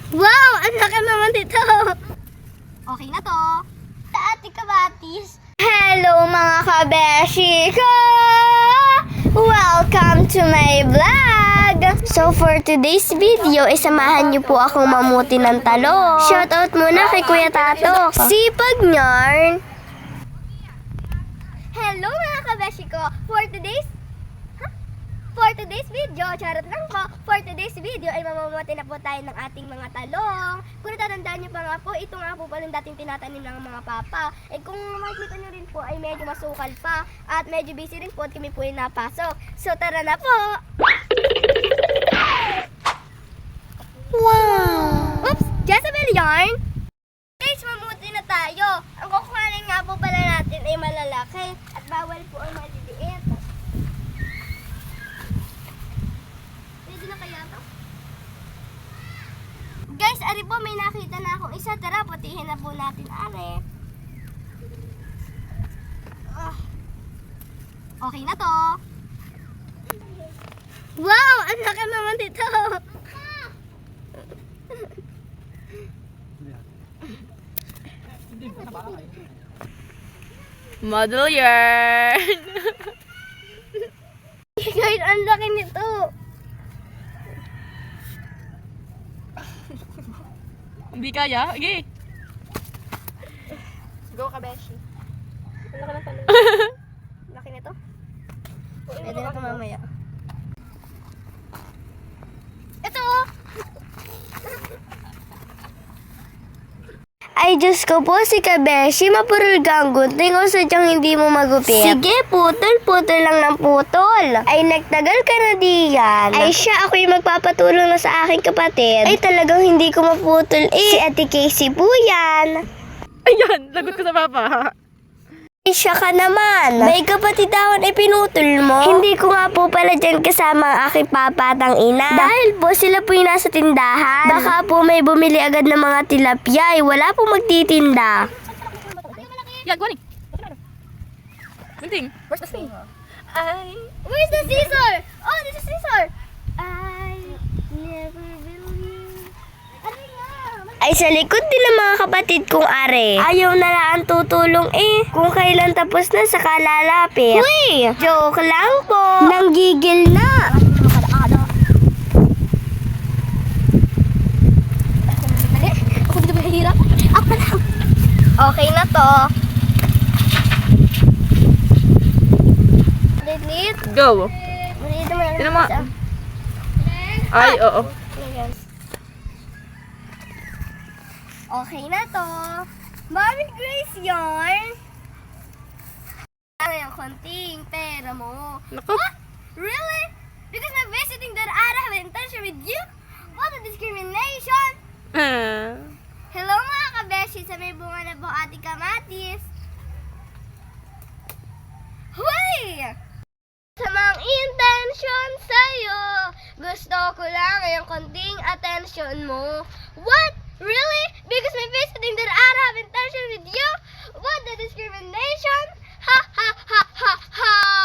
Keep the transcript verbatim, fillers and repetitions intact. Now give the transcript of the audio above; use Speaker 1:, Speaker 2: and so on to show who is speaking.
Speaker 1: Wow! Ang laki naman dito! Okay na to. Sa ate kabatis. Hello mga kabeshi ko! Welcome to my vlog! So for today's video, isamahan niyo po akong mamuti ng talong. Shoutout muna kay Kuya Tato. Sipag yarn! Hello mga kabeshi ko! For today's For today's video, charot lang po, for today's video ay mamamati na po tayo ng ating mga talong. Kung natatandaan nyo pa nga po, ito nga po pala yung dating tinatanim ng mga papa. Eh kung makikita nyo rin po ay medyo masukal pa at medyo busy rin po at kami po ay napasok. So tara na po! Wow! Oops! Jezebel yarn! Guys, mamuti na tayo. Ang kukuhanin nga po pala natin ay malalaki at bawal po ang maliliit. Guys, ari po, may nakita na akong isa. Tara, putihin na po natin, ari. Ah. Okay na to. Wow! Ang laki naman dito.
Speaker 2: Model yarn!
Speaker 1: Guys, ang laki nito.
Speaker 2: Hindi kaya? Okay.
Speaker 1: Go, Kabeshi. Ang laki ng talong. Laki nito. Pwede na ito mamaya. Ito! Ay, Diyos ko po, si Kabeshi, mapurul ka ang gunting o sadyang hindi mo magupit. Sige, putol-putol lang ng putol. Ay, nagtagal ka na diyan. Ay, siya, ako'y magpapatulong na sa aking kapatid. Ay, talagang hindi ko maputol eh. Si Ate Casey po yan.
Speaker 2: Ayan, lagot ko sa papa.
Speaker 1: Ay, siya ka naman. May kapatid ako ay pinutol mo. Hindi ko nga po pala dyan kasama ang aking papa at ang ina. Dahil po sila po yung nasa tindahan. Baka po may bumili agad ng mga tilapia. Ay, wala po magtitinda.
Speaker 2: Yan, kuhanin. Gunting. Where's the spoon?
Speaker 1: Ay, where's the scissor? Oh, there's a scissor. I never will you. Ano nga? Ay, sa likod din ng mga kapatid kong are. Ayaw na lang tutulong eh. Kung kailan tapos na, saka lalapit. Uy! Joke lang po. Nanggigil na. Ako dito mahirap. Ako na lang. Okay na to. Lit-lit.
Speaker 2: Go.
Speaker 1: Dito mo lang.
Speaker 2: Tinan mo. Ay, oo.
Speaker 1: Okay na to. Mommy Grace yarn. Ano yung konting pera mo?
Speaker 2: Naku.
Speaker 1: What? Really? Because I'm visiting that I have an intention with you? What a discrimination!
Speaker 2: Ah.
Speaker 1: Hello mga kabeshi, sa may bunga na po ating kamatis. Huy! Sa mga intention sa'yo, gusto ko lang yung konting attention mo. What? Really? Because my visiting that I have intention with you? What the discrimination? Ha ha ha ha ha!